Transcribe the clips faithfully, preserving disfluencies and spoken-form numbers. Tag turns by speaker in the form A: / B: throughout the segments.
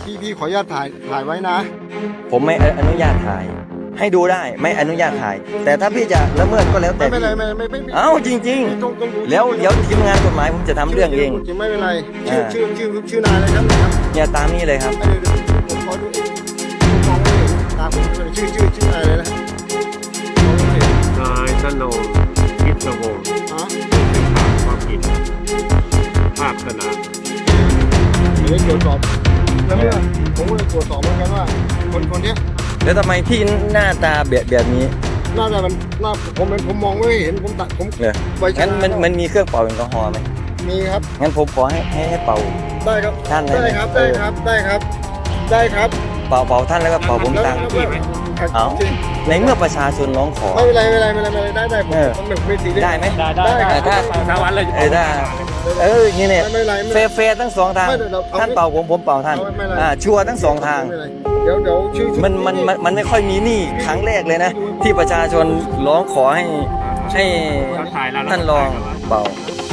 A: พี่พี่ขออนุญาตถ่ายถ่ายไว้นะ
B: ผมไม่อนุญาตถ่ายให้ดูได้ไม่อนุญาตถ่าย แต่ถ้าพี่จะละเมิดก็แล้วแต่
A: ไม่เป็นไรไม่ไม่ไม่
B: เอ้าจริงๆแล้วเดี๋ยวทีมงานกฎหมายผมจะทำเรื่องเอง
A: ไม่เป็นไรชื่อชื่อชื่อชื่อนายอะไรครับ
B: เนี่ยตามนี้เลยครับ
A: ผมขอดูผมมองไม่เห็นตามผมชื่อชื่อชื่อนายอะไรนะ
C: นายสนองพิศวงศ์ความผิดภาพขนาด
A: เดี๋ยวตรวจสอบแล้วเนี่ยผมก็เลยตรวจสอบเหมือนกันว่าคนคนนี้
B: แล้วทำไมพี่หน้าตาแบบแบบนี้
A: หน้าตามันหน้าผมเป็นผมมองไม่เห็นผมตัดผม
B: งั้นมันมันมีเครื่องเป่าแอลกอฮอล์ไหม
A: มีครับ
B: งั้นผมขอให้ให้ให้เป่า
A: ได้ครับ
B: ท่าน
A: ได้ครับได้ครับได้ครับได้ครับ
B: เป่าเป่าท่านแล้วก็เป่าผมตามเอาในเมื่อประชาชนร้องขอ
A: ไม่เป็นไรไม่เป็นไรไม่เป็นไรได้ได้ผมไม่ตี
B: ได้ไหม
C: ได้ได้ถ้าสามวันเลย
B: เออได้เออนี่เนี่ยเฟร์เฟร์ทั้งสองทางท่านเป่าผมผมเป่าท่านอ่าชัวร์ทั้งสองทาง
A: เดี๋ยวเดี๋ยวชื่อ
B: มันมันมันไม่ค่อยมีนี่ครั้งแรกเลยนะที่ประชาชนร้องขอให้ให้ท่านรองเป่า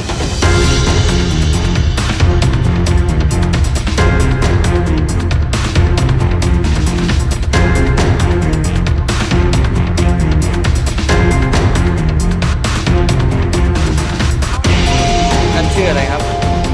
B: ชื่ออะไรครับ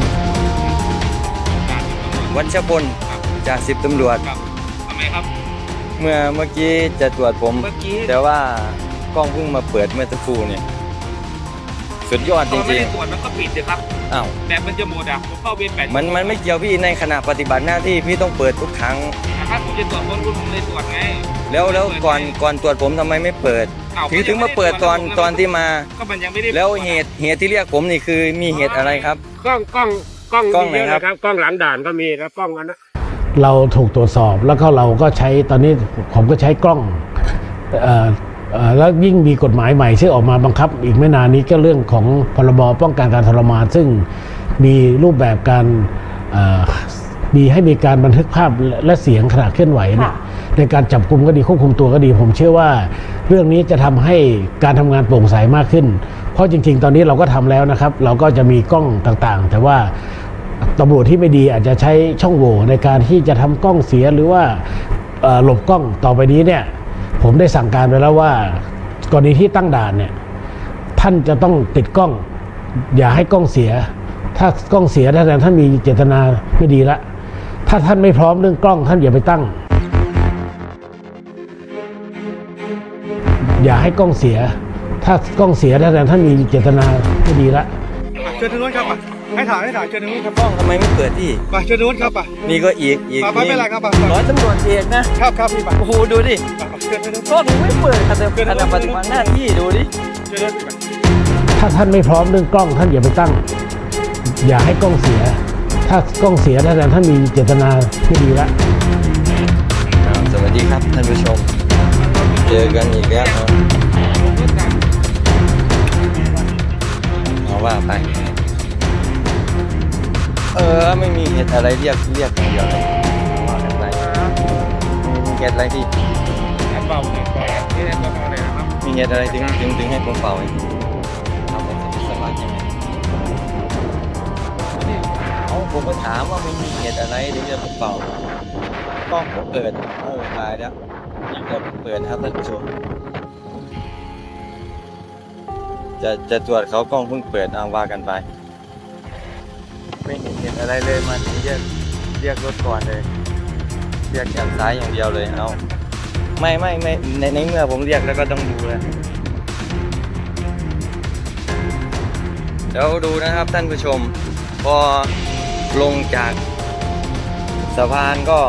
B: วัชพลจากสิบตำรวจ
C: ทำไมครับ
B: เมื่อเมื่อกี้จะตรวจผมแต่ว่ากล้องเพิ่งมาเปิดเมื่อสักครู่เนี่ยสุดยอดจริงๆไม่ได้
C: ตรวจมันก็ปิดเลยครับ
B: อ้าว
C: แบบมันจะหมดอ่ะผมเข้าเวรแปด
B: มันมันไม่เกี่ยวพี่ในขณะปฏิบัติหน้าที่พี่ต้องเปิดทุกครั้ง
C: ถ้าผมจะตรวจคนผมเลยตรวจไง
B: แล้วแล้วก่อนก่อนตรวจผมทำไมไม่เปิดถึงถึงมาเปิดตอนตอนที่มา
C: ก็มันยังไม่ได้
B: แล้วเหตุเหตุที่เรียกผมนี่คือมีเหตุอะไรครับ
C: กล้องกล้องกล้องกล้องไหนครับกล้องหลังด่านก็มีแล้วกล้องอันนั้น
D: เราถูกตรวจสอบแล้วก็เราก็ใช้ตอนนี้ผมก็ใช้กล้องเอ่อเอ่อแล้วยิ่งมีกฎหมายใหม่ที่ออกมาบังคับอีกไม่นานนี้ก็เรื่องของพรบป้องกันการทรมานซึ่งมีรูปแบบการมีให้มีการบันทึกภาพและเสียงขณะเคลื่อนไหวเนี่ยในการจับกุมก็ดีควบคุมตัวก็ดีผมเชื่อว่าเรื่องนี้จะทำให้การทำงานโปร่งใสมากขึ้นเพราะจริงๆตอนนี้เราก็ทำแล้วนะครับเราก็จะมีกล้องต่างๆแต่ว่าตำรวจที่ไม่ดีอาจจะใช้ช่องโหว่ในการที่จะทำกล้องเสียหรือว่าหลบกล้องต่อไปนี้เนี่ยผมได้สั่งการไปแล้วว่ากรณีที่ตั้งด่านเนี่ยท่านจะต้องติดกล้องอย่าให้กล้องเสียถ้ากล้องเสียถ้าท่านมีเจตนาไม่ดีละถ้าท่านไม่พร้อมเรื่องกล้องท่านอย่าไปตั้งอย่าให้กล้องเสียถ้ากล้องเสียถ้าท่านมีเจตนาไม่ดีละ
A: เชิญทางโน้นครับป่ะให้ถ่ายให้ถ่ายเชิญทางโน้นครับ
B: กล้องทำไมไม่เปิดที่
A: ป่ะเชิญทางโน้นครับป่ะ
B: นี่ก็อีกอีก
A: ป่ะไม่เป็นไรครับป่ะ
B: ร้อยตำรวจเอกนะครับ
A: ครับพี่ป่ะ
B: โอ้โหดูดิกล้องไม่เปิดขณะขณะปฏิบัติหน้าที่ดูดิ
D: ถ้าท่านไม่พร้อมเรื่องกล้องท่านอย่าไปตั้งอย่าให้กล้องเสียถ้ากล้องเสียถ้าท่านมีเจตนาไม่ดีละ
B: สวัสดีครับท่านผู้ชมเจอกันอีกแล้วเอาว่าไปเออไม่มีเหตุอะไรเรียกเรียกอย่างเดียวเลยว่ากันไปมีเหตุอะไรที่
C: เป่าเนี่ยที่ได้ตัวอะไรนะครับ
B: มีเหตุอะไรถึงถึงถึงให้ผมเป่าทำเป็นสมาธิยังไงเอาผมก็ถามว่าไม่มีเหตุอะไรถึงจะผมเป่ากล้องผมเปิดโอ้ตายแล้วยิ่งจะเปิดครับท่านผู้ชมจะจะตรวจเขากล้องเพิ่งเปิดเอาว่ากันไปไม่เห็นเห็นอะไรเลยมาถึงเรียกเรียกรถก่อนเลยเรียกจากซ้ายอย่างเดียวเลยเอาไม่ไม่ไม่ในในเมื่อผมเรียกแล้วก็ต้องดูแล้วเดี๋ยวดูนะครับท่านผู้ชมพอลงจากสะพานก็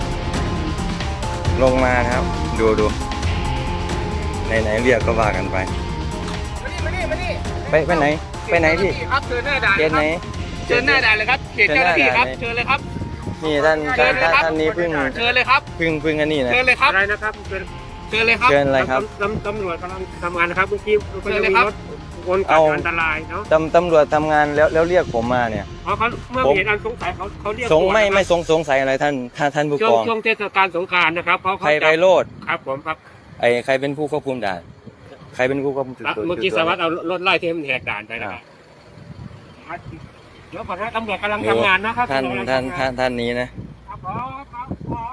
B: ลงมานะครับดูดูไหนไหนเรียกก็ว่ากันไปไปไปไหนไปไหนพี่
C: ครับเชิญหน้าด่าน
B: เชิญไหน
C: เชิญหน้าด่านเลยครับเขตเจ้าหน้าที่ครับเชิญเลยครับ
B: นี่ท่านท่านท่านนี้พึ่ง
C: เชิญเลยครับ
B: พึ่งพึ่งอันนี้นะ
C: เชิญเลยครับอะไรนะครับเชิญเชิญเลยครับ
B: เชิญอะไรครับ
C: ตำตำรวจกำลังทำงานนะครับเมื่อกี้เชิญเลยครับคนกัดอันตรายเนาะ
B: ตำตำรวจทำงานแล้วแล้วเรียกผมมาเนี่ย
C: อ๋อเขาเมื่อเห็นอันสงสัยเขาเขาเรียก
B: สงไม่ไม่สงสงสัยอะไรท่านท่านท่านผู้กอง
C: ช่วงเทศกาลสงกรานต์นะครับเขา
B: ใครไปโลด
C: ครับผมครับ
B: ไอ้ใครเป็นผู้ควบคุมด่านใครเป็นผู้ควบคุม
C: เมื่อกี้สารวัตรเอารถไล่เทมแหกด่านไปนะครับเดี๋ยวก่อนนะตำรวจกำลังทำงานนะครับ
B: ท่านท่านท่านท่านนี้นะครับ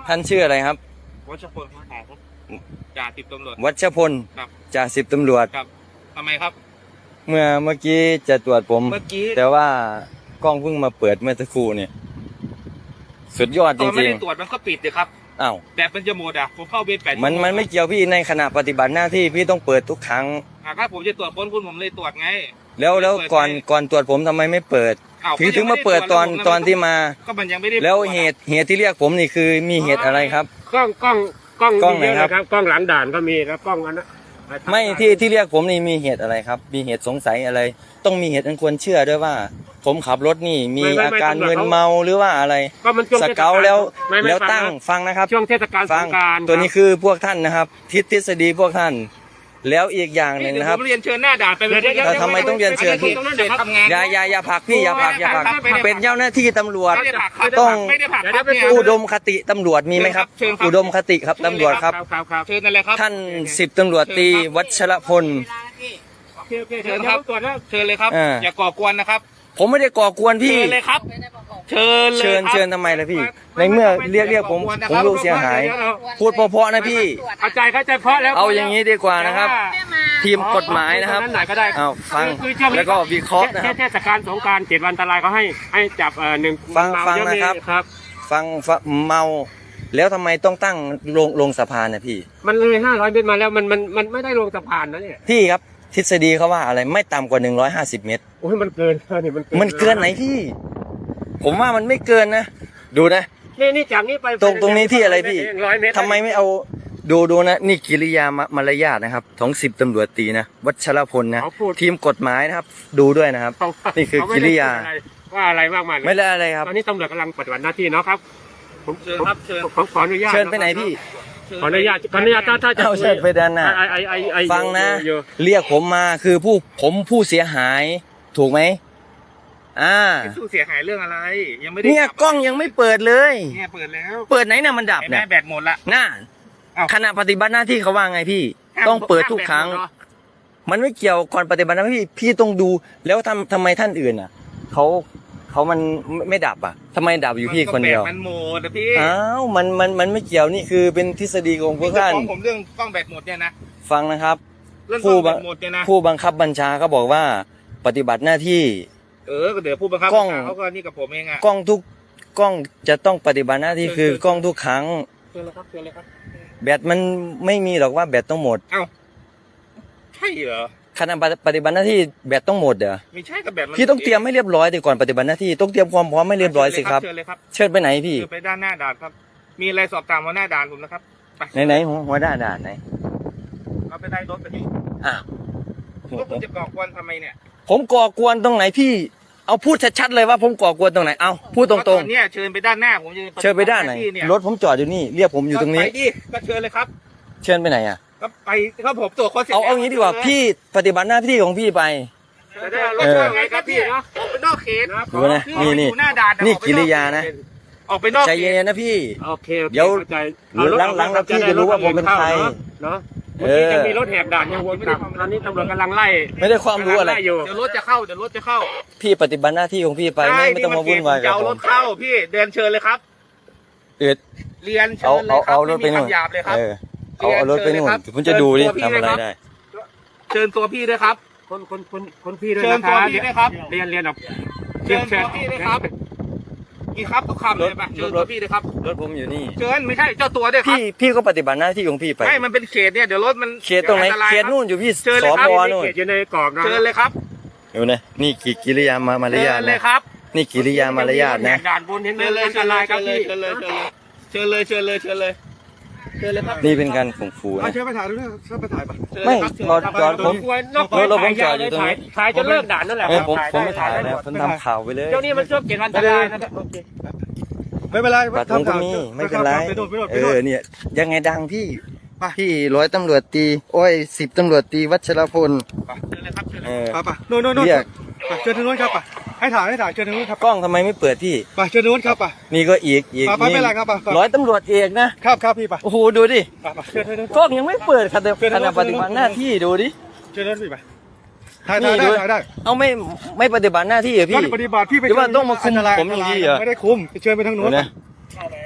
B: ท่านชื่ออะไรครับ
C: วัชพลครับผมจ่าสิบตำรวจ
B: วัชพล
C: ครับ
B: จ่าสิบตำรวจ
C: ครับทำไมครับ
B: เมื่อเมื่อกี้จะตรวจผม
C: เมื่อกี้
B: แต่ว่ากล้องเพิ่งมาเปิดเมื่อสักครู่เนี่ย สุดยอดจ
C: ตอนไม่
B: ริง
C: ได้ตรวจมันก็ปิดเลยครับ
B: ๆอ้าว
C: แบตมันจะหมดอ่ะผมเข้าเวรแปด
B: มันมันไม่เกี่ยวพี่ในขณะปฏิบัติหน้าที่พี่ต้องเปิดทุกครั้ง
C: อ่ะครับผมจะตรวจค้นคุณผมเลยตรวจไง
B: แล้วแล้ว
C: เปิด
B: ก่อน
C: ไง
B: ก่อนตรวจผมทำไมไม่เปิด
C: อ้าว
B: ถึง
C: ก็
B: ถึ
C: ยัง
B: ง
C: ไม่
B: มาเปิดตอน
C: ได้รจ
B: ตอนที่มา
C: ก็มันยังไม่ได้
B: แล้ว
C: ตรจ
B: เหตุเหตุที่เรียกผมนี่คือมีเหตุอะไรครับ
C: กล้องกล้องกล้อง
B: กล้อง
C: มีเยอะ
B: ไหนครับ
C: นะครับกล้องหลังด่านก็มีแล้วกล้องอันนั้น
B: ไม่ที่ที่เรียกผมนี่มีเหตุอะไรครับ มีเหตุสงสัยอะไร ต้องมีเหตุอันควรเชื่อด้วยว่า ผมขับรถนี่มีอาการมึนเมาหรือว่าอะไร
C: ก็มันช่วง
B: ส
C: ทศ
B: เกาแล้ว
C: ไม่ไม่
B: แล้ว
C: ฟั
B: ตั้ง
C: นะ
B: ฟังนะครับ
C: ช่วงเทศกาลส
B: ฟั
C: งกรานต์
B: ตัวนี้คือพวกท่านนะครับ ทิศทฤษฎีพวกท่าน แล้วอีกอย่างหนึ่งนะครับ
C: ผมเรียนเชิญหน้าด่านไปเลย
B: เดี๋ยวทำไมต้องเรียนเชิญพี่
C: เดี๋ยวทำงาน
B: อย่าอย่าอย่าผลักพี่อย่าผลักอย่าผลัก
C: ไม่ได้ผลัก
B: เป็นเจ้าหน้าที่ตำรวจ
C: ไม่ได้ผลักครับ
B: ต้อง
C: ไม่ได้ผลักครับเนี่ย
B: อุดมคติตำรวจมีไหมครับ
C: เชิญครับ
B: อุดมคติครับตำรวจครับ
C: ครับครับเชิญนั่นเลยครับ
B: ท่านสิบตำรวจตรีวัชรพล
C: โอเคโอเคเชิญครับตรวจแล้วเชิญเลยครับ
B: อ่า
C: อย่าก่อกวนนะครับ
B: ผมไม่ได้ก่อกวนพี่
C: เชิญเลยครับ เชิญเลย
B: เชิญ
C: ครับ
B: เชิญทำไมล่ะพี่ ในเมื่อเรียกเรียกผมผมรู้เสียหาย พูดเพราะๆนะพี่
C: เข้าใจเข้าใจเพราะแล้ว
B: เอาอย่างนี้ดีกว่านะครับ ทีมกฎหมายนะครับ
C: นั่นไหนก็ได้
B: เอาฟัง
C: คือช่วงนี้
B: แล้วก็วิเคราะห์นะครับ
C: เทศกาลสงกรานต์เจ็ดวันอันตรายเขาให้ให้จับเอ่อหนึ่ง
B: ฟัง
C: เมา
B: ฟัง
C: เยอ
B: นะครับ
C: ครับ
B: ฟังฟังเมา แล้วทำไมต้องตั้งลงลงสะพานนะพี่
C: มันเลยห้าร้อยเมตรมาแล้วมันมันมันไม่ได้ลงสะพานนะเนี่ย
B: พี่ครับทฤษฎีเขาว่าอะไรไม่ต่ำกว่าหนึ่งร้อยห้าสิบเมตร
C: โอ้ยมันเกินนี่มันเกิน
B: มันเกินไหนพี่ ผมว่ามันไม่เกินนะ ดูนะ
C: นี่นี่จากนี้ไป
B: ตรงตรงนี้ที่อะไรพี่
C: ร้อยเมตร
B: ทำไมไม่เอาดูดูนะ นี่กิริยามามารยาทนะครับของสิบตำรวจตรีนะ วัชรพลนะ
C: เขาพูด
B: ทีมกฎหมายนะครับ ดูด้วยนะครับ
C: เขา
B: นี่คือกิริยา
C: เขไม่ได้พูดอะไรว่าอะไรมากมายเลย
B: ไม่ได้อะไรครับ
C: ตอนนี้ตำรวจกำลังปฏิบัติหน้าที่เนาะครับผมเชิญครับเชิญผมขออนุญาต
B: เชิญไปไหนพี่
C: ขออนุญาตขออนุญาตถ้าถ้าจะ
B: เอาเชิญไปด้านหน้า
C: ไอไอไอไอ
B: ฟังนะ
C: อยู่
B: เรียกผมมาคือผู้ผมผู้เสียหาย ถูกไหมอ่า
C: สู้เสียหายเรื่องอะไร ยังไม่ได้
B: เนี่ย
C: จับ
B: กล้องยังไม่เปิดเลย
C: เนี่ยเปิดแล้ว
B: เปิดไหนน่ะมันดับ
C: เห็นไหม
B: เนี่ย
C: แบตหมดละ
B: น่า
C: เอ้า
B: ขณะปฏิบัติหน้าที่เขาว่าไงพี่ ต้องเปิดทุกครั้ง มันไม่เกี่ยวก่อนปฏิบัติหน้าที่พี่ต้องดูแล้วทำทำไมท่านอื่นอ่ะเขาเขามันไม่ไม่ดับอ่ะทำไมดับอยู่พี่คนเดียว
C: แบตมันหมดนะพี่
B: อ้าวมันมันมันไม่เกี่ยวนี่คือเป็นทฤษฎีของพวกท่าน
C: ของผมเรื่องกล้องแบตหมดเนี่ยนะ
B: ฟังนะครับ
C: เรื่องกล้
B: ผู้
C: องแบ
B: บัง
C: ตหมดเนี่ยนะ
B: ผู้บังคับบัญชาเขาบอกว่า ปฏิบัติหน้าที่
C: เออก็เดี๋ยวผู้บังคับ
B: กล้อง
C: บัญชาเขาก็นี่กับผมเองอ่ะ
B: กล้องทุกกล้องจะต้องปฏิบัติหน้าที่คือกล้องทุกครั้ง
C: เชิญเลยครับเชิญเลยครับ
B: แบตมันไม่มีหรอกว่าแบตต้องหมด
C: เอ้าใช่เหรอ
B: ขณะปฏิบัติหน้าที่แบตต้องหมดเด้อ
C: ไม่ใช่กับแบตมัน
B: พี่ต้องเตรียมให้เรียบร้อยดีก่อนปฏิบัติหน้าที่ต้องเตรียมความพร้อมให้เรียบร้อยสิครับ
C: เชิญเลยครับ
B: เชิญไปไหนพี่
C: เชิญไปด้านหน้าด่านครับ มีอะไรสอบถามหัวหน้าด่านผมนะครับไป
B: ไหนไหนหัวหัวหน้าด่านไหน
C: เอาไปได้รถไปที่
B: อ้าว
C: รถผมจะก่อกวนทำไมเนี่ย
B: ผมก่อกวนตรงไหนพี่ เอาพูดชัดๆเลยว่าผมก่อกวนตรงไหนเอาพูดตรง
C: ก็อนเนี่ยเชิญไปด้านหน้าผมจะ
B: ๆ เชิญไปด้านไหน
C: ที่เย
B: รถผมจอดอยู่นี่เรียกผมอยู่ตรงนี้
C: ก็ไปดิก็เชิญเลยครับ
B: เชิญไปไหนอ่ะ
C: ก็ไปก็ผมตรวจคนเสร็จ
B: เอาเอางี้ดีกว่าพี่ปฏิบัติหน้าที่ของพี่ไป
C: จะได้เอารถเข้าไงครับพี่เนาะออกไปนอกเขต
B: ดูนะนี่นี่
C: อยู่หน้าด่าน
B: นี่
C: ออไป
B: กิริยานะ
C: ออกไปนอก
B: ใจ
C: เข
B: เย็
C: ต
B: นๆนะพี่
C: โอเคโอเค
B: เดี๋ยว
C: ข้าใจ
B: หรือหลังๆแล้วพี่จะรู้ว่าผมเป็นใคร
C: เนาะ
B: เอ
C: เมื่อกี้
B: อ
C: จะมีรถแหกด่านยังวนกลับตอนนี้ตำรวจกำลังไล่
B: ไม่ได้ความรู้อะไร
C: กำลังล่อยู่เดี๋ยวรถจะเข้าเดี๋ยวรถจะเข้า
B: พี่ปฏิบัติหน้าที่ของพี่ไปไม่ไม่ต้องมาวุ่นวาย
C: จะ
B: กับ
C: เอา
B: ผ
C: ร
B: ม
C: ถเข้าพี่เดินเชิญเลยครับ
B: เอ็ด
C: เรียนเชิ
B: เอา
C: ญเล
B: เอา
C: ยครั
B: เอา
C: บ
B: รถไป
C: ไม่มี
B: นู่น
C: คำหยาบเลยครับ
B: เออเอาเอารถไปนู่นผมจะดูดิทำอะไรได้
C: เชิญตัวพี่ด้วยครับ
E: คนคนคนคนพี่ด้วย
C: เชิญ
E: นะค
C: ตัว
E: รับ
C: พี่ด้วยครับ
E: เรียนเรียนออก
C: เชิญตัวพี่ด้วยครับมีครับทุกคำเลยป่ะเชิญตัวพี่ด้วยครับ
B: รถผมอยู่นี่
C: เชิญไม่ใช่เจ้าตัวด้วยครับ
B: พี่พี่ก็ปฏิบัติหน้าที่ของพี่ไป
C: ไม่มันเป็นเขตเนี่ยเดี๋ยวรถมัน
B: เขตตรงไหน
C: อัตาย
B: เขต
C: ครับ
B: นู่นอยู่พี่
C: เชิญ
B: ส
C: เลยครับ
B: พ
E: นี่
B: นู่น
E: เขตอยู่ในกรอบนะ
C: เชิญเลยครับ
B: ดูนะนี่กิกิริยามามาร
C: เชิ
B: ยาท
C: ญเลย
B: นะครับ นี่กิริยามารยาท
E: แห
B: นะ
E: กด่านบนเห็นไหม
C: เชิญเลย
E: อัน
C: เชิ
E: ต
C: ญเล
E: ราย
C: ย
E: ครับ
C: เชิญเลย
E: พี่
C: เชิญเลยเชิญเลยเชิญเลยเชิญเลยเชิญเลยเชิญเลยครับ
B: นี่เป็นการข่มขู่
A: เอา
B: นะ
A: เชิญไปถ่ายดูนะเชิญไปถ่ายไป
C: เชิญ
B: ไม่
C: เลยครับเชิญ
B: รอ
C: ครับ
B: จอดผม
E: ควรนอก
B: รถเราผมจอดอยู่ตรงนี้
E: ถ่ายจนเลิกด่านนั่นแหละ
B: เออผม
E: ครับ
B: ผมไม่ถ่าย
E: ด้
B: แล้วผมทำข่าวไปเลย
E: เจ้านี่มันช่วงเจ็ดวันอันตรายนะโอเค
A: ไม่เป็นไร
B: บัตรผมก็มีไม่เป็นไร
A: ไปโดนไปโดน
B: เอ
A: ไปโด
B: อน เนี่ยยังไงดังพี่
A: ไป
B: พี่ร้อยตำรวจตีโอ้ยสิบตำรวจตีวัชรพล
C: เชิญเลยครับเชิญเล
B: เอย อ
A: ไปไปโน่นโน่นโน่น
B: เรียก
A: ไปเชิญทางโน้นครับไปให้ถ่ายให้ถ่ายเชิญทางโน้นครับ
B: กล้องทำไมไม่เปิดพี่
A: ไปเชิญทางโน้นครับไป
B: นี่ก็อีกอีก
A: ไปไปไม่เป็นไรครับไปไป
B: ร้อยตำรวจเอกนะครับ
A: ครับพี่ไป
B: โอ้โหดูดิ
A: ไปไปเชิญทางโน้น
B: กล้องยังไม่เปิดขณะ
A: เชิญ
B: ข
A: นะ
B: ณะปฏิบัติหน้าที่ดูดิ
A: เชิญทางโน้นพี่ไปถ่ายถ่าย
B: นี่
A: ได้
B: ดู
A: ถ่ายได้
B: เอาไม่ไม่ปฏิบัติหน้าที่เหรอ
A: พี่
B: พี่
A: ปฏิบัติพี่ไป
B: หรือว่าต้องมาคุมผมอย่างนี้เหรอ
A: ไม่ได้คุมเชิญไปทางโน้
B: ดู
A: น
B: นะ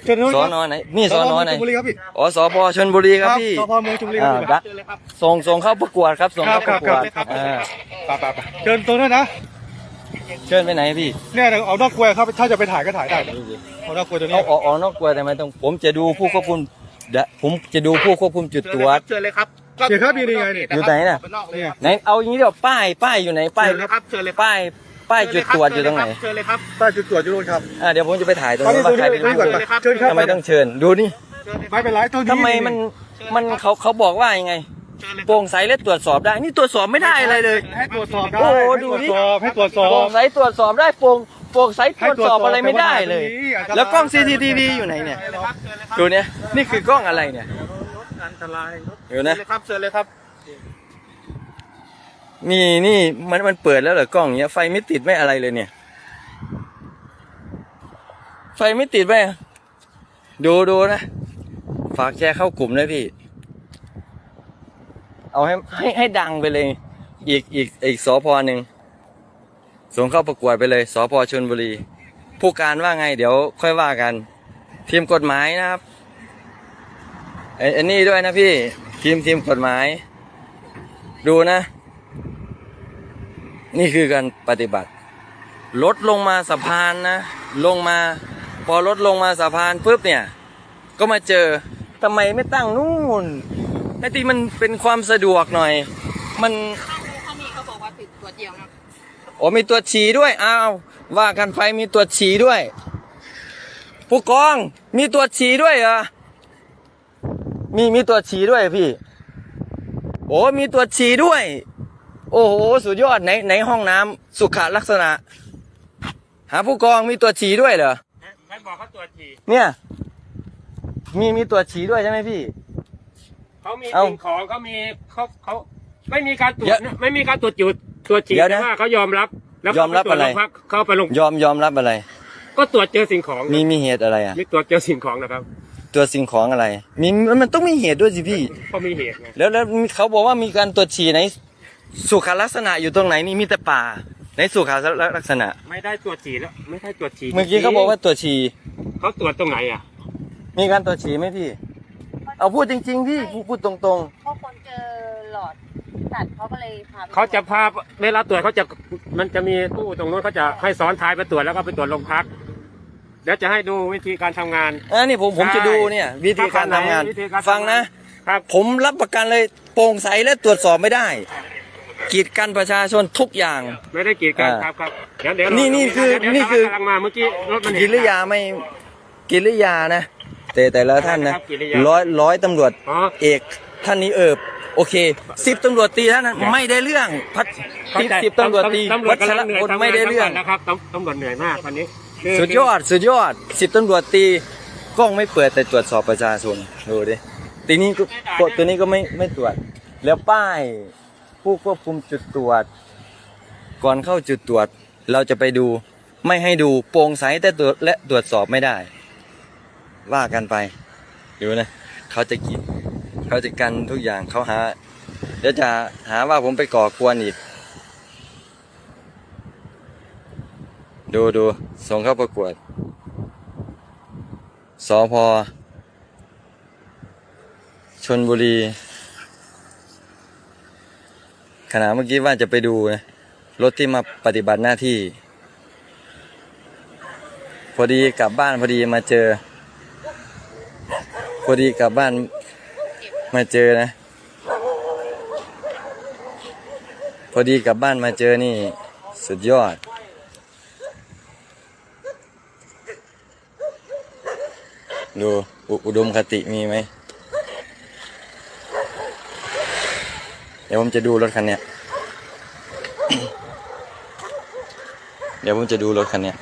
A: เชิญ
B: สอนอไหนนี่สอนอไหน
A: ชลบุรีครับพี่
B: อ๋อสพชลบุรีครับพี่
A: สพเมืองชลบุรีค
B: อ่า
A: รับ
B: ดะส่งส่งเข้าประกวดครับส่ง
A: ครั
B: เข้า
A: บ
B: ประกวด
A: ครับ
B: อ่า
A: ไปไปไปเชิญตรงนั้นนะ
B: เชิญไปไหนพี่
A: เนี่ยเอานอกกล้วยครับถ้าจะไปถ่ายก็ถ่ายได้เอานอกกล้วยตัวนี้
B: เอาออกออกนอกกลัวแต่ไม่ต้องผมจะดูผู้ควบคุมเดะผมจะดูผู้ควบคุมจุดตรวจ
E: เชิญเลยครับ
A: เดี๋ยวครับมีนี่ไงนี่
B: อยู่ไหนน่ะ
E: นอกเลย
A: เนี่ย
B: ไหนเอาอย่างนี้เดี๋ยวป้ายป้ายอยู่ไหนป้าย
E: เชิญเลยครับเชิญเลย
B: ป้ายป้ายจุดตรวจอยู่ตรงไหน
E: เชิญเลยครับ
A: ใต้จุดตรวจอยู่นู่นครับ
B: อ่าเดี๋ยวผมจะไปถ่ายตรง
A: ตอน
B: นู้
A: นี้
B: น
A: ตั
B: ว่าว ใคร
A: นี้
B: เป็น
A: ตัวนี้ก่อน
B: ผู้
A: ไปเชิญครับ
B: ทำไมต้องเชิญดูนี่
A: ไม่เป็นไรตัวนี้
B: ทำไมมันมันเขาเขาบอกว่ายังไงโปร่งใสและตรวจสอบได้นี่ตรวจสอบไม่ได้อะไรเลย
A: ให้ตรวจสอบได้
B: โอ้โห
A: ให้
B: ดู
A: ตรวจ
B: ดิ
A: สอบให้ตรวจสอบ
B: โปร่งใสตรวจสอบได้โปร่งโปร่งใสตรวจสอบอะไรไม่ได้เลย
A: ให้ตรวจสอบ
B: แล้วกล้อง ซี ที ที วี อยู่ไหนเนี่ยดูเนี่ยนี่คือกล้องอะไรเนี่ย
E: อันตราย
B: เดี๋ยวนะ
E: เลยครับเชิญเลยครับ
B: นี่นี่มันมันเปิดแล้วเหรอกล้องเนี้ยไฟไม่ติดไม่อะไรเลยเนี่ย ไฟไม่ติดไหมดูดูนะฝากแชร์เข้ากลุ่มด้วยพี่ เอาให้ให้ให้ดังไปเลย อีกอีกอีกสพหนึ่งส่งเข้าประกวดไปเลยสพชลบุรี ผู้การว่าไงเดี๋ยวค่อยว่ากัน ทีมกฎหมายนะครับไอ้อันนี้ด้วยนะพี่ทีมทีมกฎหมาย ดูนะ นี่คือการปฏิบัติรถลงมาสะพานนะลงมาพอรถลงมาสะพานปุ๊บเนี่ยก็มาเจอทำไมไม่ตั้งนู่นไอ้ที่มันเป็นความสะดวกหน่อยมัน
F: เขามีเขาบอกว่าติดตัวเดียวนะ
B: โอ้มีตัวฉี่ด้วยอ้าวว่ากันไปมีตัวฉี่ด้วยผู้กองมีตัวฉี่ด้วยเหรอมีมีตัวฉี่ด้วยพี่โอ้มีตัวฉี่ด้วยโอ้โหสุดยอดไหนไหนห้องน้ำสุขลักษณะหาผู้กองมีตัวฉี่ด้วยเหรอ
E: ใครบอกเขาตรวจฉี่
B: เนี่ยมีมีตัวฉี่ด้วยใช่ไหมพี่
E: เขามี
B: เอ้า
E: สิ่งของเขามีเขาเขาไม่มีการตรวจ
B: เดี๋ยว
E: นะไม่มีการตรวจจุดตรวจฉี่
B: เดี๋ยวนะ
E: แต่ว่าเขายอมรับแล้ว
B: ยอมรับอะไร
E: เขาปตวจโงพักเขาไปลง
B: ยอมยอมรับอะไร
E: ก็ตรวจเจอสิ่งของ
B: มีมีเหตุอะไรอ่ะ
E: มีตรวจเจอสิ่งของนะครับ
B: ตัวสิ่งของอะไรมีมันต้องมีเหตุด้วยสิพี่
E: เขามีเหตุไง
B: แล้วแล้วเขาบอกว่ามีการตรวจฉี่ในสุขลักษณะอยู่ตรงไหนนี่มีแต่ป่าในสุขลักษณะ
E: ไม่ได้ตรวจฉี่แล้วไม่ได้ตรวจฉี่
B: เมื่อกี้เขาบอกว่าตรวจฉี่
E: เขาตรวจตรงไหนอ่ะ
B: มีการตรวจฉี่ไหมพี่ เอาพูดจริงๆพี่พูดพูดตรง
F: เพราะคนเจอหลอดตัดเขาก็เลยพาไป
E: เขาจะพาเวลาตรวจเขาจะมันจะมีตู้ตรงนู้นเขาจะให้ซ้อนท้ายไปตรวจแล้วก็ไปตรวจโรงพักเดี๋ยวจะให้ดูวิธีการทำงาน
B: ๆอ่านี่ผมผมจะดูเนี่ย วิธีการทำงาน
E: วิธีการทำงาน
B: ฟังนะ
E: ครับ
B: ผมรับประกันเลยโปร่งใสและตรวจสอบไม่ได้กีดกันประชาชนทุกอย่าง
E: ไม่ได้กีดกัน
B: อ่า
E: ครับครับเดี๋ยวเดี๋ยว
B: นี่นี่คือ
E: เดี๋ยว
B: นี่คือ
E: กำลังมาเมื่อกี้รถมันเห็น
B: กิริยาไม่กิริยานะแต่แต่ละท่านนะ
E: ครับกิริยา
B: ร้อยร้อยตำรวจ
E: อ๋อ
B: เอกท่านนี้เอิบโอเคสิบตำรวจตีท่านนั้นไม่ได้เรื่องพัด
E: เข้าใจ
B: สิบตำรวจตี
E: ตำรว
B: วั
E: จ
B: ช
E: กำ
B: ร
E: ลังเหนื่อย
B: พล
E: ทำงาน
B: ไม่ได้เรื่อง
E: นะครับตำตำรวจเหนื่อยมากวันนี้คือ
B: สุดยอดสุดยอดสิบตำรวจตีกล้องไม่เปิดแต่ตรวจสอบประชาชนดูดิตีนี้ก็กดตัวนี้ก็ไม่ไม่ตรวจ แล้วป้ายผู้ควบคุมจุดตรวจ ก่อนเข้าจุดตรวจ เราจะไปดูไม่ให้ดูโปร่งใสแต่ตรวจและตรวจสอบไม่ได้ ว่ากันไปดูนะเขาจะกินเขาจะกันทุกอย่างเขาหาเดี๋ยวจะหาว่าผมไปก่อกวนอีก ดูดูส่งเข้าประกวดสพชลบุรีขณะเมื่อกี้ว่าจะไปดูนะรถที่มาปฏิบัติหน้าที่ พอดีกลับบ้านพอดีมาเจอ พอดีกลับบ้านมาเจอนะ พอดีกลับบ้านมาเจอนี่สุดยอดดูอุอุดมคติมีไหมเดี๋ยวผมจะดูรถคันเนี้ย เดี๋ยวผมจะดูรถคันเนี้ย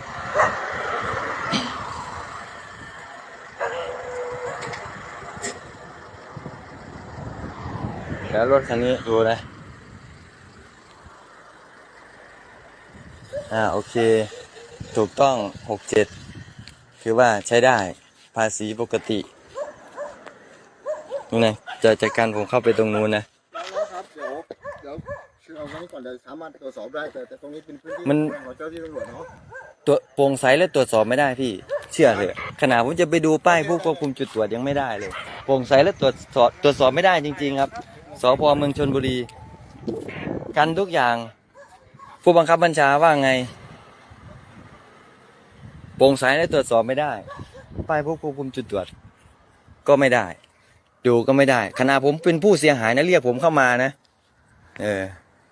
B: แล้วรถคันนี้ดูนะอ่าโอเคถูกต้องหกเจ็ดคือว่าใช้ได้ภาษีปกตินี่นะจะจัดการผมเข้าไปตรงนู้นนะ
A: แล้วครับเดี๋ยวเดี๋ยวคือเอาไว้ก่อนเดี๋ยวสามารถตรวจสอบได้แต่แต่ตรงนี้เป็นพื้นที่
B: มัน
A: ของเจ้าที่ตำรวจเนาะ
B: ตัวโปร่งใสและตรวจสอบไม่ได้พี่เชื่อเลยขนาดผมจะไปดูป้ายผู้ควบคุมจุดตรวจยังไม่ได้เลยโปร่งใสและตรวจสอบตรวจสอบไม่ได้จริงๆครับสพเมืองชลบุรีกันทุกอย่างผู้บังคับบัญชาว่าไงโปร่งใสและตรวจสอบไม่ได้ป้ายผู้ควบคุมจุดตรวจก็ไม่ได้ดูก็ไม่ได้ขณะผมเป็นผู้เสียหายนะเรียกผมเข้ามานะเออ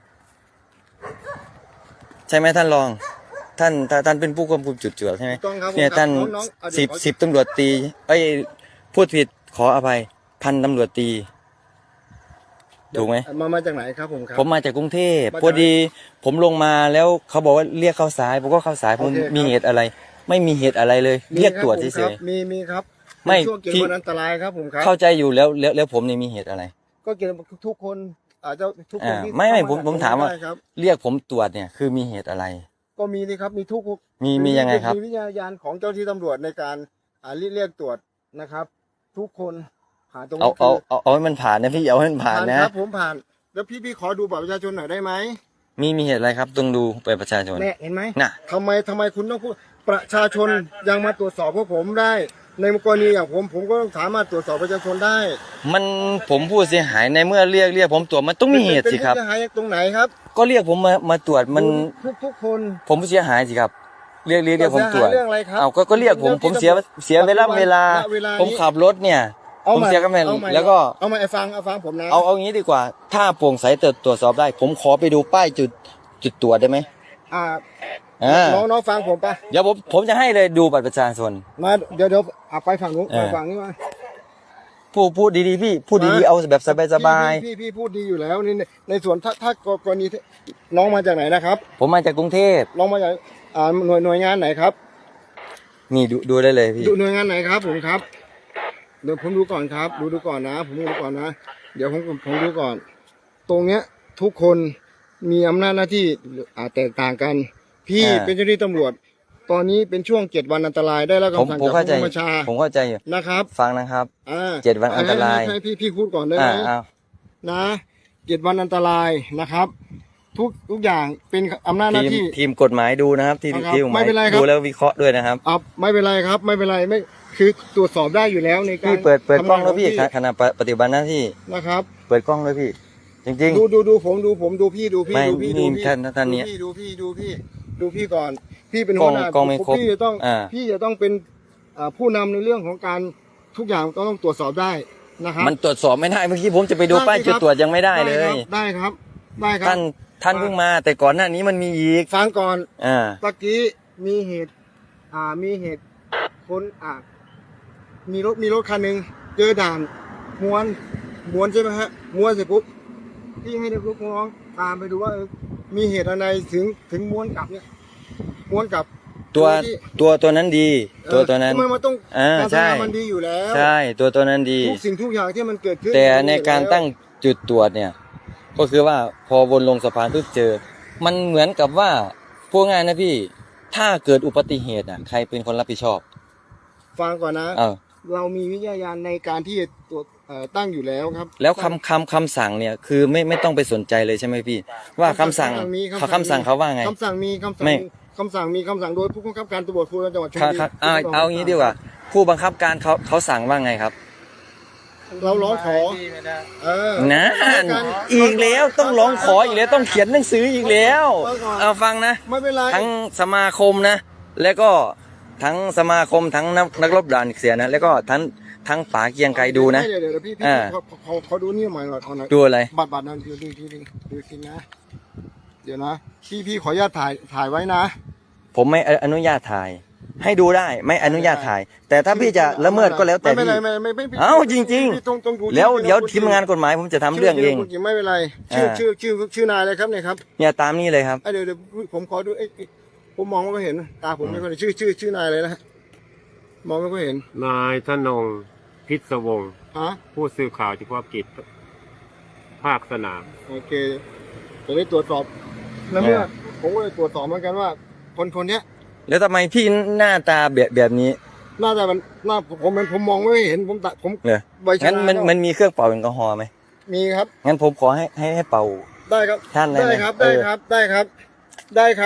B: ใช่ไหมท่านรองท่านท่านเป็นผู้ควบคุมจุดตรวจใช่ไหม
A: ต้องครับ
B: เนี่ยท่าน
A: น้องๆเอาเดี๋
B: สิ
A: ยว
B: บ
A: ขอ
B: สิบตำรวจตีเอ้ยพูดผิดขออภัยพันตำรวจตีถูกไหม
A: มามาจากไหนครับผมครับ
B: ผมมาจากกรุงเทพ
A: มาจาก
B: พอดีผมลงมาแล้วเขาบอกว่าเรียกเข้าสายผมก็เข้าสายผม
A: โอเคครับ
B: มีเหตุอะไร ไม่มีเหตุอะไรเลย
A: มี
B: เรียก
A: คบ
B: ตรวจ
A: ผม
B: เฉ
A: ครับ
B: ย
A: มีมีครับ
B: ไม่
A: ช่วงเกิด
B: ที่
A: วันอันตรายครับผมครับ
B: ๆเข้าใจอยู่แล้วแล้วแล้วผมเนี่ยมีเหตุอะไร
A: ก็เกิดทุกคนอาจจะทุกคน
B: อ่า
A: ที่
B: ไม่ไม่
A: เข้
B: ผมผมถามว่า
A: ได้ครับ
B: เรียกผมตรวจเนี่ยคือมีเหตุอะไร
A: ก็มีนี่ครับมีทุก
B: มีมียังไงครับ
A: มีวิทยาญาณของเจ้าที่ตำรวจในการอ่าเรียกเรียกตรวจนะครับ ทุกคนผ่านตรง
B: เอา
A: นี้
B: เอา
A: คือ
B: เอาเอาให้มันผ่านนะพี่เอาให้มันผ่านนะ
A: ครับผมผ่านแล้วพี่พี่ขอดูบัตรประชาชนหน่อยได้ไหม
B: มีมีเหตุอะไรครับต้องดูไปประชาชน
A: แน่เห็นไหม
B: น่ะ
A: ทำไมทำไมคุณต้องพูดประชาชนยังมาตรวจสอบพวกผมได้ ในกรณีอย่างผมผมก็ต้องสามารถตรวจสอบประชาชนได้
B: มันผมผู้เสียหายในเมื่อเรียกเรียกผมตรวจมันต้องมีเหตุสิครับ
A: เป็นผู้เสียหายตรงไหนครับ
B: ก็เรียกผมมามาตรวจมัน
A: ทุกทุกคน
B: ผมผู้เสียหายสิครับ เรียกเรียกเรียกผมตรวจ
A: เรื่องอะไรครับ
B: เอาก็ก็เรียกผมผมเสียเสียเวลาเวลา
A: เวลานี้
B: ผมขับรถเนี่ย
A: เอา
B: ผม
A: ใหม่
B: เสียกันไป
A: เอาใหม่
B: แล้วก็
A: เอามาไอ้ฟังเอาฟังผมนะ
B: เอาเอางี้ดีกว่า ถ้าโปร่งใสตรวจตรวจสอบได้ ผมขอไปดูป้ายจุดจุดตรวจได้ไหม
A: อ่า
B: อ่า
A: น้องน้องฟังผมปะ
B: เดี๋ยวผมผมจะให้เลยดูบัตรประชาชน
A: มาเดี๋ยวเดี๋ยวเอาไปฝั่งนู้น
B: เออ
A: ไปฝั่งนี้มา
B: พูดพูดดีๆพี่พูดดีๆเอาแบบสบาย
A: พี่พี่พี่พูดดีอยู่แล้วนี่ในในส่วนถ้าถ้ากรณีที่น้องมาจากไหนนะครับ
B: ๆผมมาจากกรุงเทพ
A: น้องมาจากอ่าหน่วยหน่วยงานไหนครับ
B: นี่ดูดูได้เลยพี่
A: ดูหน่วยงานไหนครับผมครับเดี๋ยวผมดูก่อนครับ ดูดูก่อนนะ ผมดูก่อนนะ เดี๋ยวผมผมดูก่อน ตรงเนี้ยทุกคนมีอำนาจหน้าที่อาจแตกต่างกัน พี่
B: อ่า
A: เป็นเจ้าหน้าที่ตำรวจ ตอนนี้เป็นช่วงเจ็ดวันอันตรายได้แล้ว
B: ผม
A: คำสั่ง
B: ผม
A: จาก
B: เข้าใจ
A: ผู้บัญชา
B: ผมเข้าใจอยู่
A: นะครับ
B: ฟังนะครับ
A: อ่า
B: เจ็ดวันอันตราย
A: ให้ให้ให้พี่พี่พูดก่อนได้ไห
B: อ่าม เอา
A: นะเจ็ดวันอันตรายนะครับ ทุกทุกอย่างเป็นอำนาจหน้า
B: ทีม
A: ที่
B: ทีมกฎหมายดูนะครับที่
A: นะครับ
B: ที่กฎห
A: ไม่
B: มาย
A: เป็นไรครับ
B: ดูแล้ววิเคราะห์ด้วยนะครับ
A: อ่ะไม่เป็นไรครับ ไม่เป็นไรไม่คือตรวจสอบได้อยู่แล้วในการ
B: พี่เปิดเปิดกล้องแล้วพี่
A: ทำานข
B: ขณะปฏิบัติหน้าที่
A: นะครับ
B: เปิดกล้องเลยพี่ จริง
A: ดูดูดูผมดูผมดูพี่ดูพี่
B: ไม่
A: ดูพี่
B: นี่
A: ดูพี่
B: ท่านท่านเนี่ย
A: ดูพี่ดูพี่ดูพี่ก่อน พี่เป็น
B: กล้
A: หั
B: อ
A: ว
B: ง
A: หน้าก
B: ล้องไม่ครบ
A: พี่จะต้อง
B: อ่า
A: พี่จะต้องเป็นอ่าผู้นำในเรื่องของการทุกอย่างต้องตรวจสอบได้นะครับ
B: ๆ มันตรวจสอบไม่ได้เมื่อกี้ผมจะไปดู
A: ได้
B: ป้าย
A: สิ
B: จุด
A: ครับ
B: ตรวจยังไม่ได้เลย
A: ได้ครับได้ครับ
B: ท่านท่านเพิ่งมา แต่ก่อนหน้านี้มันมีอีก
A: ฟังก่อน
B: อ่า
A: ตะกี้มีเหตุ อ่า มีเหตุคนอ่า มีรถ มีรถคันหนึ่งเจอด่านม้วนม้วนใช่ไหมฮะม้วนเสร็จปุ๊บพี่ให้ลูกน้องตามไปดูว่าเออมีเหตุอะไรถึงถึงม้วนกลับเนี่ยม้วนกลับ
B: ตัว
A: ที่
B: ตัวตัวนั้นดี
A: เอ่อ
B: ตัวตัวนั้น
A: ทำไมมันต้อง
B: อ่า
A: การ
B: ใช่
A: ทำงานมันดีอยู่แล้ว
B: ใช่ตัวตัวนั้นดี
A: ทุกสิ่งทุกอย่างที่มันเกิดขึ้น
B: แต่ใน
A: มันดีอยู่
B: การ
A: แล้ว
B: ตั้งจุดตรวจเนี่ย ก็คือว่าพอวนลงสะพานปุ๊บเจอ มันเหมือนกับว่าพูดง่ายนะพี่ ถ้าเกิดอุบัติเหตุอ่ะใครเป็นคนรับผิดชอบ
A: ฟังก่อนนะ
B: เออ
A: เรามีวิทยาญาณในการที่จะตรวจเอ่อตั้งอยู่แล้วครับ
B: แล้วคำคำคำสั่งเนี่ยคือไม่ไม่ต้องไปสนใจเลยใช่ไหมพี่ ว่าคำสั่ง
A: มี
B: เขาคำสั่งเขาว่าไง
A: คำสั่งมีคำสั่ง
B: ไม่
A: มีคำสั่งมีคำสั่งโดยผู้บังคับการตำรวจภูธรจังหวัดชล
B: ครับ
A: บุรี
B: ครับเอาเอางี้ดีกว่า ผู้บังคับการเขาเขาสั่งว่าไงครับ
A: เราร้องขอเออ
B: นั่นอีกแล้วต้องร้องขออีกแล้วต้องเขียนหนังสืออีกแล้ว เอาฟังนะ
A: ไม่เป็นไร
B: ทั้งสมาคมนะ แล้วก็ทั้งสมาคมทั้งนักนักรบด่านเสียนะ แล้วก็ทั้งทั้งป๋าเกียงไกรดูนะ
A: เดี๋ยวเดี๋ยวเดี๋ยวพี่พี่
B: อ่า
A: เขาเขาเขาดูนี่หน่อยหน่อยเอาหน่อย
B: ดูอะไร
A: บัตรบัตรนั่นดูดูทีนึงดูทีนะ เดี๋ยวนะ พี่พี่ขออนุญาตถ่ายถ่ายไว้นะ
B: ผมไม่อนุญาตถ่าย ให้ดูได้ไม่อนุญาตถ่าย แต่ถ้าพี่จะละเมิดก็แล้วแต่
A: ไม่
B: พี่
A: เป็นไรไม่ไม่ไม่
B: เอ้าจริง
A: พี่ต้องต้องดู
B: ๆ แล้ว
A: ที่
B: เดี๋ยว
A: ที่
B: ทีมงานกฎหมายผมจะทำเรื่องเอง
A: ชื่ไม่เป็นไรชื่อ
B: อ่า
A: ชื่อชื่อชื่อนายอะไรครับเนี่ยครับ
B: เนี่ยตามนี้เลยครับ
A: เอ้ยเดี๋ยวเดี๋ยวผมขอดูเอ้ยเอ้ยผมมองไม่ค่อยเห็นตาผมไม่ค่อยเห็นชื่อชื่อชื่อนายอะไรนะฮะมองไม่ค่อยเห็น
C: นายธนงพิศวงศ์
A: ฮะ
C: ผู้สื่อข่าวเฉพาะกิจภาคสนาม
A: โอเคจะได้ตรวจสอบแล้วเมื่อผมก็เลยตรวจสอบเหมือนกันว่า คนคนเนี้ย
B: แล้วทำไมพี่หน้าตาแบบแบบนี้
A: น่าจะมันน่าผมมันผมมองไม่เห็นผมตัดผม
B: เหรอ
A: ใบชา
B: งั้นมัน
A: แล้ว
B: มันมีเครื่องเป่าแอลกอฮอล์ไหม
A: มีครับ
B: งั้นผมขอให้ให้ให้เป่า
A: ได้ครับ
B: ท่านอะไร
A: ได้
B: นะครับ
A: ได้
B: เออ
A: ครับได้ครับ ได้ครับ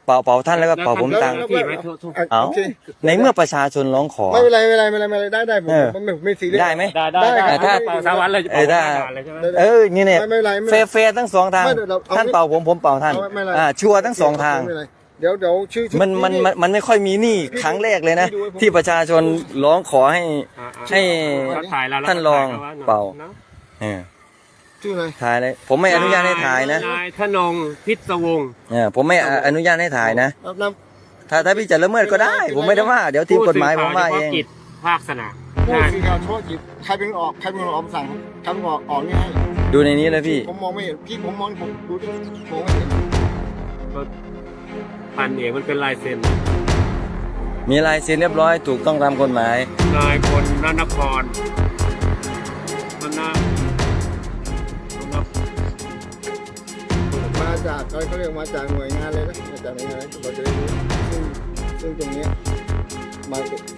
B: เป่าเป่าท่านแล้วก็เป่าผมตังค์
E: แล้วพี่ไหมทุกทุก
A: อ่ะ
B: เอ้า
A: โอเค
B: ในเมื่อประชาชนร้องขอ
A: ไม่เป็นไรไม่เป็นไรไม่เป็นไรไม่เป็นไรได้ได้ผม
B: เออ
A: ผมไม่ไม่ซีเรียส
B: ได้ไหม
E: ได้ได้
A: ได้
E: ได้
A: ครับ
E: ถ้าเป่าสามวันเลยจะ
B: เอ
E: เป่า
B: อได้
E: ห้าบาทเลยใช่ไหม
B: เออนี่เนี่ย
A: ไม่เป็นไรไม่
B: เฟ
A: เป็นไร
B: ร์เฟร์ทั้งสองทาง
A: ไม่เดี๋ยวเราเอา
B: ท่านเป่าผมผมเป่าท่าน
A: เอาไม่เป็นไร
B: อ่าชัวร์ทั้งสองทาง
A: ไม่เป็นไรเดี๋ยวเดี๋ยวชื่อชื่อ
B: มันมันมันมันไม่ค่อยมีนี่ครั้งแรกเลยนะ
A: พี่ดูให้ผม
B: ที่ประชาชนร้องขอให้
E: อ่าอ่า
B: ให้
E: เขาถ่ายแล้ว
B: ท่านรองเป่า
E: นะ
B: เออ
A: ชื่ออะไร
B: ถ่ายเลยผมไม่อนุญาตให้ถ่ายนะ
E: นายธนงพิศวงศ์
B: เออผมไม่อนุญาตให้ถ่ายนะ
A: รับน้
B: ถ้าถ้าพี่จะละเมิดก็ได้ ผมไม่ได้ว่า เดี๋ยวทีมกฎหมายผมว่าเอง
E: ผู้สื่ข่ฉพะกิจภาคสนาม
A: ำผู้
E: นะ
A: สื่อข่าวเฉพาะกิจใครเป็นคนออกใครเป็นคนออกคำสั่งใครเป็นคนออกออกนี่ให้
B: ดูในนี้นะพี่
A: ผมมองไม่เห็นพี่ผมมองผมดูดิมองไม่เห็น
E: พันเอกมันเป็นลายเซ็น
B: มีลายเซ็นเรียบร้อยถูกต้องตามกฎหมาย
E: นายพลนนครนนน
A: มาจากเขาเขาเรียกมาจากหน่วยงานเลยนะมาจากหน่วยงานเลยเราจะได้รู้ซึ่งซึ่งตรงเนี้ยมา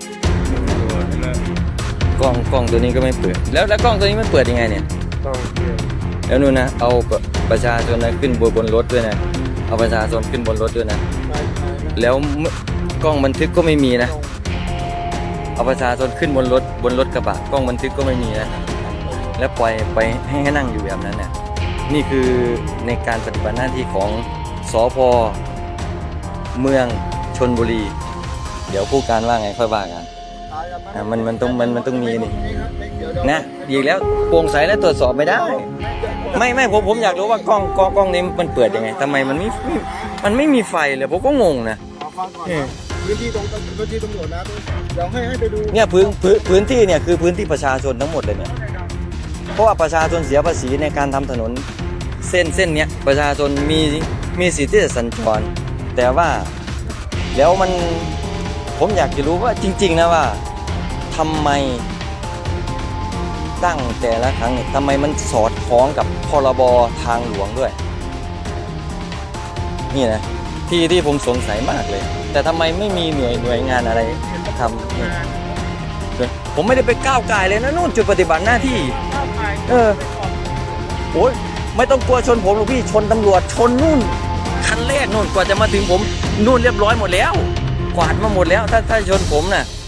B: กล้องกล้องตัวนี้ก็ไม่เปิด แล้วแล้วกล้องตัวนี้มันเปิดยังไงเนี่ย
E: ต้องเที่ยว
B: แล้วนู่นนะเอาประชาชนนะขึ้นบนบนรถด้วยนะเอาประชาชนขึ้นบนรถด้วยนะ
A: ไปไปนะ
B: แล้วกล้องบันทึกก็ไม่มีนะเอาประชาชนขึ้นบนรถบนรถกระบะกล้องบันทึกก็ไม่มีนะแล้วปล่อยไปให้ให้นั่งอยู่แบบนั้นน่ะนี่คือในการปฏิบัติหน้าที่ของสพเมืองชลบุรี เดี๋ยวผู้การว่าไงค่อยว่ากันอ่ะมันมันต้องมันมันต้องมีนี่นะอีกแล้วโปร่งใสและตรวจสอบไม่ได้ ไม่ไม่ผมผมอยากรู้ว่ากล้องกล้องกล้องนี้มันเปิดยังไงทำไมมันไม่ไม่มันไม่มีไฟเลยผมก็งงนะ
A: เอาฟังก่อนนะพื้นที่ตรงพื้นที่ตำรวจนะเดี๋ยวให้ให้ไปดู
B: เนี่ยพื้นพื้นพื้นที่เนี่ยคือพื้นที่ประชาชนทั้งหมดเลยเนี่ยเพราะว่าประชาชนเสียภาษีในการทำถนนเส้นเส้นเนี้ยประชาชนมีมีสิทธิ์ที่จะสัญจรแต่ว่าแล้วมันผมอยากจะรู้ว่าจริงๆนะว่าทำไมตั้งแต่ละครั้งเนี่ยทำไมมันสอดคล้องกับพรบทางหลวงด้วย นี่นะที่ที่ผมสงสัยมากเลย แต่ทำไมไม่มีหน่วยหน่วยงานอะไรทำนี่ผมไม่ได้ไปก้าวไก่ายเลยนะนู่นจุดปฏิบัติหน้าที่เออโอ้ยไม่ต้องกลัวชนผมหรอกพี่ชนตำรวจชนนู่นคันแรกนู่นกว่าจะมาถึงผมนู่นเรียบร้อยหมดแล้วกวาดมาหมดแล้วถ้าถ้าชนผมน่ะ